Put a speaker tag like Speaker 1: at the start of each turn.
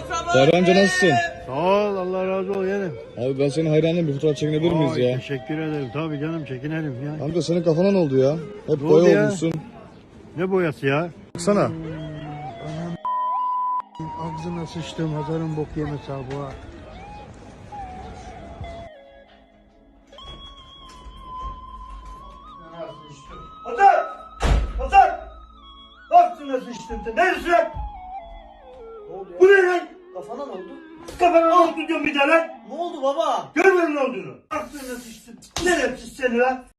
Speaker 1: Fahri amca nasılsın?
Speaker 2: Sağ ol, Allah razı ol yeğenim.
Speaker 1: Abi ben senin hayranım, bir fotoğraf çekinebilir miyiz ya?
Speaker 2: Teşekkür ederim. Tabii canım, çekinelim ya.
Speaker 1: Amca senin kafana ne oldu ya? Hep
Speaker 2: Ne oldu
Speaker 1: boya
Speaker 2: ya?
Speaker 1: olmuşsun.
Speaker 2: Ne boyası ya?
Speaker 1: Baksana.
Speaker 2: Ağzına sıçtım, hazarın bok yemesi abi bu ha.
Speaker 3: Hasan! Hasan! Aklına sıçtın sen. Neresin? Ne oldu ya? Bu ne lan?
Speaker 4: Kafana ne oldu?
Speaker 3: Kafana ne oldu diyorum bir de lan?
Speaker 4: Ne oldu baba?
Speaker 3: Görmüyor musun ne olduğunu? Aklına sıçtın. Neresi seni lan?